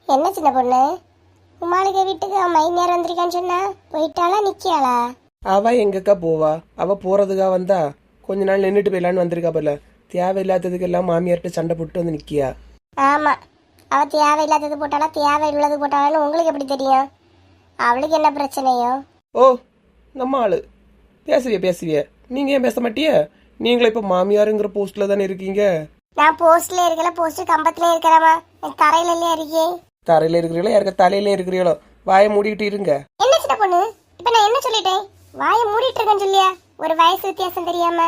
என்ன சின்ன பொண்ணு, உமாளுக்கு வீட்டுக்கு மைநேரம் வந்திருக்கான்னு சொன்னா போயிட்டாளா நிக்கியாளா? அவ எங்கக்கா போவா? அவ போறதுக்கா வந்தா கொஞ்ச நாள் நின்றுட்டு போயிடலான்னு வந்திருக்கா போல. தேவையில்லாததுக்கு எல்லாம் மாமியார்கிட்ட சண்டை போட்டு வந்து நிக்கியா. ஆமா, அவ தேவையில்லாதது போட்டாளா தேவையுள்ளது போட்டாளான்னு உங்களுக்கு எப்படி தெரியும்? அவளுக்கு என்ன பிரச்சனையோ? ஓ, நம்ம ஆளு பேசுவிய. நீங்க ஏன் பேச மாட்டிய? நீங்களே இப்ப மாமியாருங்கிற போஸ்ட்ல தானே இருக்கீங்க. நான் போஸ்ட்ல இருக்கல, போஸ்ட் கம்பத்துல இருக்கிறமா, தரையில இல்லையா இருக்கேன். தரையில இருக்கிறீங்களோ யாருக்க தலையில இருக்கிறீங்களோ, வாயை மூடிக்கிட்டு இருங்க. என்ன சின்ன பொண்ணு, இப்ப நான் என்ன சொல்லிட்டேன்? வாயை மூடிட்டு இருக்கேன்னு சொல்லியா? ஒரு வயசு வித்தியாசம் தெரியாம.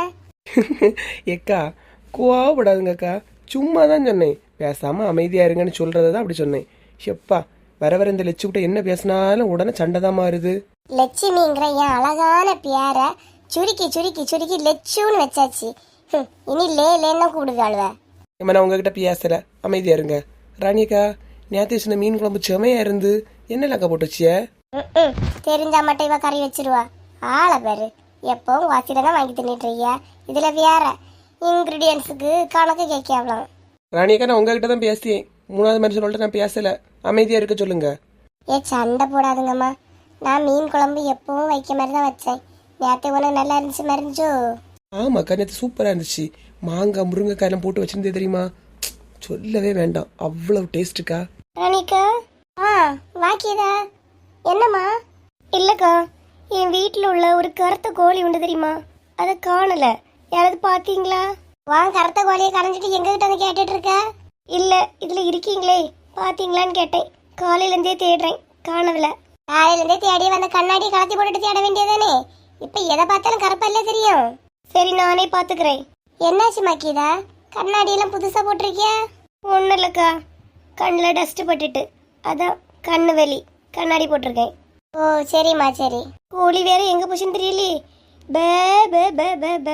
ஏக்கா கோவப்படாதுங்கக்கா, சும்மா தான் சொன்னேன். பேசாம அமைதியா இருங்கன்னு சொல்றதான் அப்படி சொன்னேன். எப்பா வர இந்த லட்சு கிட்ட என்ன பேசினாலும் உடனே சண்டை தான் மாறுது. லட்சுமிங்கிற என் அழகான பேரை சுருக்கி சுருக்கி சுருக்கி லட்சுன்னு வச்சாச்சு. இனி லேன்னு கூடுதாளுவ. நான் உங்ககிட்ட பேசல, அமைதியா இருங்க. ராணியக்கா, நேற்று சொன்ன மீன் குழம்பு செமையா இருந்து என்னலக்கா போட்டு வச்சிய? தெரிஞ்சா மட்டும் இவ கறி வச்சிருவா. ஆளை பேரு எப்பவும் வாசியில தான் வாங்கி தின்னுட்டு இருக்கியா. இதுல வேற இன்கிரீடியன்ஸுக்கு கணக்கு கேட்கலாம். ராணியக்கா, நான் உங்ககிட்ட தான் பேசியேன். மூணாவது மனுஷன் நான் பேசல, அமைதியா இருக்க சொல்லுங்க. சண்டை போடாதுங்கம்மா. நான் மீன் குழம்பு எப்பவும் வைக்க மாதிரி தான் வச்சேன். நேற்று உனக்கு நல்லா இருந்துச்சு மாதிரி இருந்துச்சோ? ஆமாக்கா, நேற்று சூப்பரா இருந்துச்சு. மாங்காய் முருங்கைக்காயெல்லாம் போட்டு வச்சிருந்தே தெரியுமா? சொல்லவே வேண்டாம், அவ்வளவு டேஸ்ட்டுக்கா. ராணிக்கா, வாக்கியதா? என்னம்மா? இல்லக்கா, என் வீட்டில் உள்ள ஒரு கருத்த கோழி உண்டு தெரியுமா, அதை காணல. யாராவது பாத்தீங்களா? வாங்க, கருத்த கோழியை கரைஞ்சிட்டு எங்ககிட்ட வந்து கேட்டுட்டு இருக்க? இல்ல, இதுல இருக்கீங்களே, பாத்தீங்களான்னு கேட்டேன். காலையில இருந்தே தேடுறேன், காணவில்ல. காலையில இருந்தே தேடி வந்த கண்ணாடியை கலத்தி போட்டுட்டு தேட வேண்டியதானே? இப்ப எதை பார்த்தாலும் கருப்பல்ல தெரியும். சரி, நானே பாத்துக்கிறேன். என்னாச்சு மாக்கிதா, கண்ணாடி எல்லாம் புதுசா போட்டிருக்கியா? ஒன்னும் இல்லக்கா, கண்ணில் டஸ்ட் பட்டுட்டு அதான் கண்ணு வெளி கண்ணாடி போட்டிருக்கேன். ஓ சரிம்மா சரி. கோழி வேற எங்க போச்சுன்னு தெரியலையே. பே பே பே பே பே.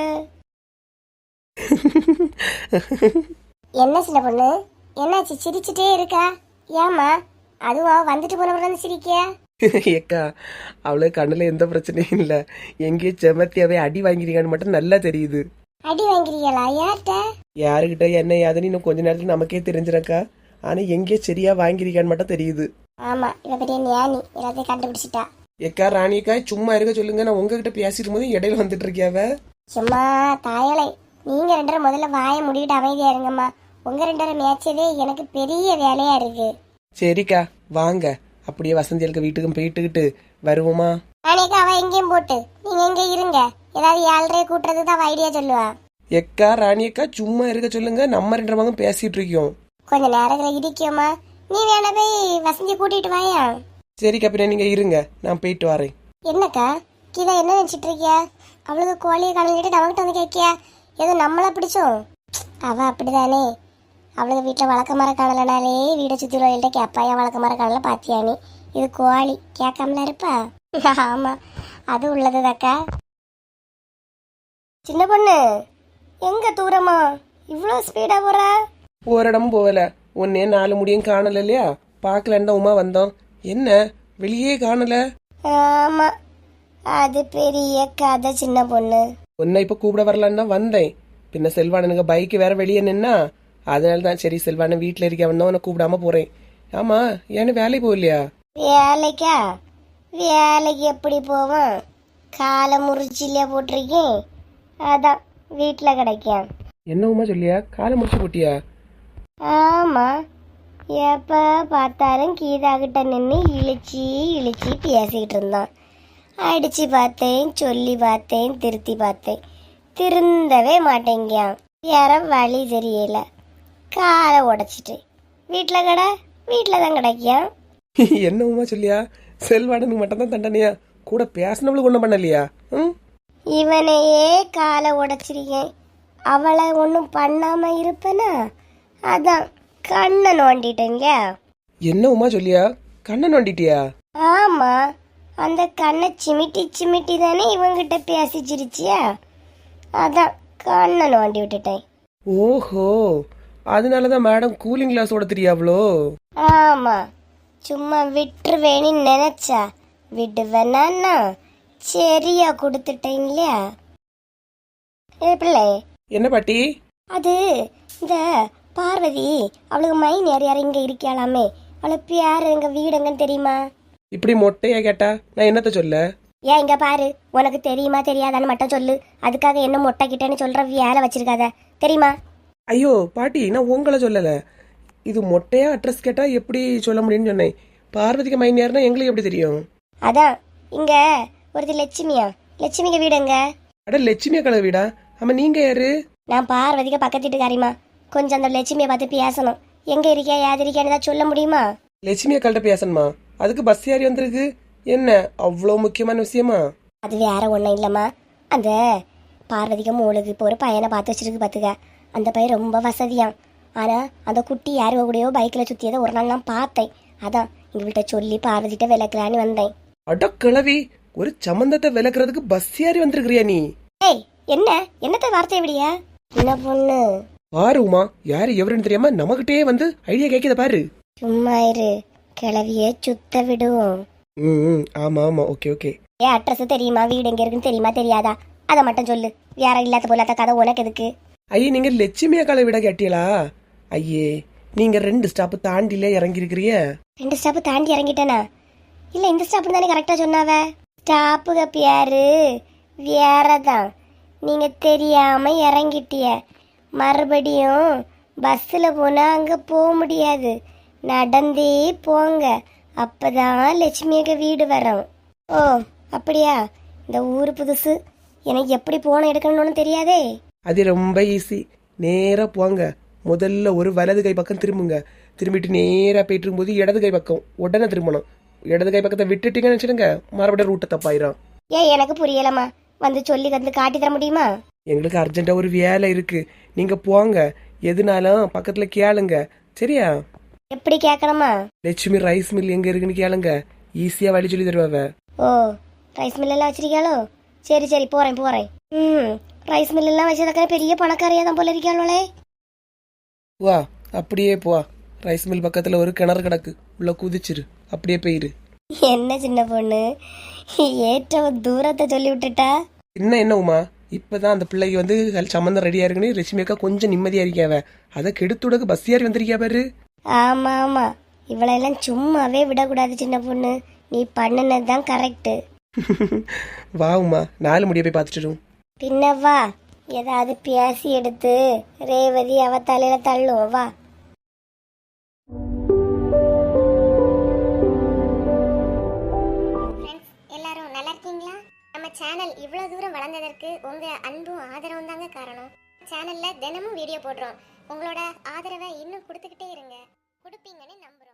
என்ன சின்ன பொண்ணு, என்னாச்சு சிரிச்சுட்டே இருக்கா? ஏமா, அதுவும் அவ வந்துட்டு போனவங்க சிரிக்கியா? ஏக்கா, அவளுக்கு கண்ணுல எந்த பிரச்சனையும் இல்ல. எங்கேயோ செமத்தியாவே அடி வாங்கிருக்கான்னு மட்டும் நல்லா தெரியுது. அடி வாங்கிருக்கீங்களா? யார்கிட்ட? யாருக்கிட்ட என்ன யாதுன்னு இன்னும் கொஞ்ச நேரத்துல நமக்கே தெரிஞ்சிருக்கா. ஆனா எங்கேயோ சரியா வாங்கிருக்கான்னு மட்டும் தெரியுது. ஆமா, இவ பெரிய ஞானி, எல்லாத்தையும் கண்டுபிடிச்சிட்டா. ஏக்கா ராணிக்கா, சும்மா இருக்க சொல்லுங்க. நான் உங்ககிட்ட பேசிட்டு போது இடையில வந்துட்டு இருக்கியாவ. சும்மா தாயலை, நீங்க ரெண்டு பேரும் முதல்ல வாயை முடிக்கிட்டு அமைதியா இருங்கம்மா. உங்க ரெண்டு பேரும் மேய்ச்சதே எனக்கு பெரிய வேலையா இருக்கு. சரிக்கா வாங்க, அப்படியே வசந்தியலுக்கு வீட்டுக்கும் போயிட்டுக்கிட்டு வருவோமா? நானேக்கா அவ எங்கேயும் போட்டு நீங்க எங்க இருங்க. ஏதாவது ஏழரை கூட்டுறதுக்கு தான் ஐடியா சொல்லுவா. எக்கா ராணியக்கா, சும்மா இருக்க சொல்லுங்க. நம்ம ரெண்டு மகம் பேசிட்டு இருக்கோம். கொஞ்ச நேரத்துல இடிக்குமா? நீ வேணா போய் வசந்திய கூட்டிட்டு வாயா. சரிக்கா, பின்ன நீங்க இருங்க, நான் போயிட்டு வரேன். என்னக்கா கீதா, என்ன நினைச்சிட்டு இருக்கியா? அவளுக்கு கோழியை கலந்துட்டு நமக்கிட்ட வந்து கேட்கியா? ஏதோ நம்மள பிடிச்சோம். அவ அப்படிதானே, அவளுக்கு வீட்டுல வழக்க மர காணலனாலே வீடை சுத்தி உள்ளவங்கள்ட்ட கேப்பாயா, வழக்க மர காணல பாத்தியா நீ? இது கோழி கேட்காமல இருப்பா. ஆமா, அது உள்ளதுதாக்கா. சின்ன பொண்ணு, எங்க தூரமா இவ்வளவு ஸ்பீடா போற? ஒரு இடமும் போகல. ஒன்னே 4 முடியும் காணல இல்லையா, பாக்கலன்னா உமா வந்தோம். என்ன வெளியே காணல? ஆமா, அது பெரிய கதை சின்ன பொண்ணு. உன்னை இப்ப கூப்பிட வரலான்னு தான் வந்தேன். பின்ன செல்வானனுக்கு பைக் வேற வெளியே நின்னா, அதனால தான் சரி செல்வானன் வீட்டுல இருக்கவன் தான் உன்னை கூப்பிடாம போறேன். ஆமா, ஏன்னு வேலைக்கு போகலையா? வேலைக்கா? வேலைக்கு எப்படி போவான்? காலை முறிச்சில போட்டிருக்கேன், அதான் வீட்டுல கிடைக்கும். என்ன உமா சொல்லியா, காலை முடிச்சு போட்டியா? ஆமா, எப்ப பார்த்தாலும் கீதா கிட்ட நின்று இழிச்சி இழிச்சி பேசிக்கிட்டு இருந்தான். அடிச்சு பார்த்தேன், சொல்லி பார்த்தேன், திருத்தி பார்த்தேன், திருந்தவே மாட்டேங்கியான். வேற வழி தெரியல, காலை உடைச்சிட்டு வீட்டுல தான் கிடைக்கியான். என்ன உமா சொல்லியா, செல்வாடனுக்கு மட்டும் தான் தண்டனையா? கூட பேசினவளுக்கு ஒண்ணும் பண்ணலையா? இவனையே காலை உடைச்சிருக்கேன், அவளை ஒன்னும் பண்ணாம இருப்பனா? அதான் கண்ணை நோண்டிட்டேங்க. என்ன உமா சொல்லியா, கண்ணை நோண்டிட்டியா? ஆமா, அந்த கண்ணை சிமிட்டி சிமிட்டி தானே இவங்கிட்ட பேசிச்சிருச்சியா, அதான் கண்ணை நோண்டி விட்டுட்டேன். ஓஹோ, அதனாலதான் மேடம் கூலிங் கிளாஸ் ஓட தெரியாவளோ? ஆமா, சும்மா விட்டுருவேன்னு நினைச்சா விடுவேனா? சரியா கொடுத்துட்டேன் இல்லையா? பிள்ளை என்ன பாட்டி? அது இந்த பார்வதி, அவளுக்கு மைன் யார் யார் இங்க இருக்காளாமே, அவளை பேரு எங்க வீடு எங்கன்னு தெரியுமா? இப்படி மொட்டையா கேட்டா நான் என்னத்த சொல்ல? ஏன் இங்க பாரு, உனக்கு தெரியுமா தெரியாதான்னு மட்டும் சொல்லு. அதுக்காக என்ன மொட்டை கிட்டேன்னு சொல்ற வேலை வச்சிருக்காத, தெரியுமா? ஐயோ பாட்டி, நான் உங்களை சொல்லல. இது மொட்டையா அட்ரஸ் கேட்டா எப்படி சொல்ல முடியும்னு சொன்னேன். பார்வதிக்கு மைனியார்னா எங்களுக்கு எப்படி தெரியும்? அதான் இங்க ஒருத்தி லட்சுமியா, லட்சுமிக்கு வீடு எங்க? அட லட்சுமி அக்கா வீடா? ஆமா, நீங்க யாரு? நான் பார்வதிக்கு பக்கத்து வீட்டுக்காரிமா. கொஞ்சம் அந்த லட்சுமியை பார்த்து பேசணும். எங்க இருக்கியா யாது இருக்கியான்னு தான் சொல்ல முடியுமா? லட்சுமி அக்காள்கிட்ட பேசணுமா? அதுக்கு பஸ் ஏறி வந்திருக்கு. என்ன அவ்வளோ முக்கியமான விஷயமா? அது வேற ஒன்றும் இல்லைம்மா. அந்த பார்வதிக்கு மூளுக்கு இப்போ ஒரு பையனை பார்த்து வச்சிருக்கு பார்த்துக்க. அந்த பையன் ரொம்ப வசதியான். ஆனால் அந்த குட்டி யாரு கூடயோ பைக்கில் சுற்றியதை ஒரு நாள் நான் பார்த்தேன். அதான் எங்கள்கிட்ட சொல்லி பார்வதிட்ட விளக்கலான்னு வந்தேன். அட கிளவி, ஒரு சம்பந்தத்தை விளக்குறதுக்கு பஸ் ஏறி வந்திருக்கிறியா நீ? ஏய், என்ன என்னத்த வார்த்தை விடியா? என்ன பொண்ணு பாரு உமா, யாரு எவருன்னு தெரியாம நமக்கிட்டே வந்து ஐடியா கேட்கத பாரு. சும்மா இரு, கிளவியே சுத்த விடுவோம். ம், ஆமா ஆமா, ஓகே ஓகே. ஏன் அட்ரஸ் தெரியுமா, வீடு எங்க இருக்குன்னு தெரியுமா தெரியாதா? அதை மட்டும் சொல்லு. வேற இல்லாத போலாத கதை உனக்கு எதுக்கு? ஐயே, நீங்க லட்சுமி அக்காளை விட கேட்டீங்களா? ஐயே, நீங்க 2 ஸ்டாப் தாண்டில இறங்கி இருக்கிறிய. 2 ஸ்டாப் தாண்டி இறங்கிட்டேனா? இல்ல, இந்த ஸ்டாப் தானே கரெக்டா சொன்னாவ. ஸ்டாப்புக பேரு வேறதான். நீங்க தெரியாம இறங்கிட்டிய. மறுபடியும் பஸ்ஸில் போனா அங்க போக முடியாது. நடந்தே போங்க, அப்பதான் லட்சுமியக்க வீடு வரும். ஓ அப்படியா? இந்த ஊரு புதுசு, எனக்கு எப்படி போன எடுக்கணும்னு தெரியாதே. அது ரொம்ப ஈஸி. நேரா போங்க. முதல்ல ஒரு வலது கை பக்கம் திரும்புங்க. திரும்பிட்டு நேரா போயிட்டு இருக்கும்போது இடது கை பக்கம் உடனே திரும்பணும். இடது கை பக்கத்தை விட்டுட்டீங்கன்னு வச்சுடுங்க, மறுபடியும் ரூட்டை தப்பாயிரும். ஏன் எனக்கு புரியலம்மா, வந்து சொல்லி வந்து காட்டி தர முடியுமா? எங்களுக்கு அர்ஜென்ட்டா ஒரு வேலை இருக்கு, நீங்க போங்க. எதுனாலும் பக்கத்துல கேளுங்க, சரியா? எப்படி கேட்கணுமா? லட்சுமி ரைஸ் மில் எங்க இருக்குன்னு கேளுங்க, ஈஸியா வழி சொல்லி தருவாவ. ஓ, ரைஸ் மில் எல்லாம் வச்சிருக்காளோ? சரி சரி, போறேன் போறேன். ரைஸ் மில் எல்லாம் வச்சதுக்காக பெரிய பணக்காரியா தான் போல இருக்காளே. வா, அப்படியே போ. ரைஸ் மில் பக்கத்துல ஒரு கிணறு கிடக்கு, உள்ள குதிச்சிரு, அப்படியே போயிரு. என்ன சின்ன பொண்ணு, ஏற்ற தூரத்தை சொல்லி விட்டுட்டா. என்ன உமா, இப்பதான் அந்த பிள்ளைக்கு வந்து சம்மந்தம் ரெடியா இருக்குன்னு லட்சுமி அக்கா கொஞ்சம் நிம்மதியா இருக்காவ. அதை கெடுத்துடக்கு பஸ் ஏறி வந்திருக்கியா பாரு. ஆமா ஆமா, இவளெல்லாம் சும்மாவே விடக்கூடாது சின்ன பொண்ணு. நீ பண்ணுனதுதான் கரெக்ட். வா உமா, 4 முடிய போய் பார்த்துட்டு. பின்ன வா, ஏதாவது பேசி எடுத்து ரேவதி அவ தலையில தள்ளுவோம். வா. எல்லாரும் நல்லா இருக்கீங்களா? நம்ம சேனல் இவ்வளவு தூரம் வளர்ந்ததற்கு உங்க அன்பும் ஆதரவும் தாங்க காரணம். சேனல்ல தினமும் வீடியோ போடுறோம். உங்களோட ஆதரவை இன்னும் கொடுத்துக்கிட்டே இருங்க. கொடுப்பீங்கன்னு நம்புறோம்.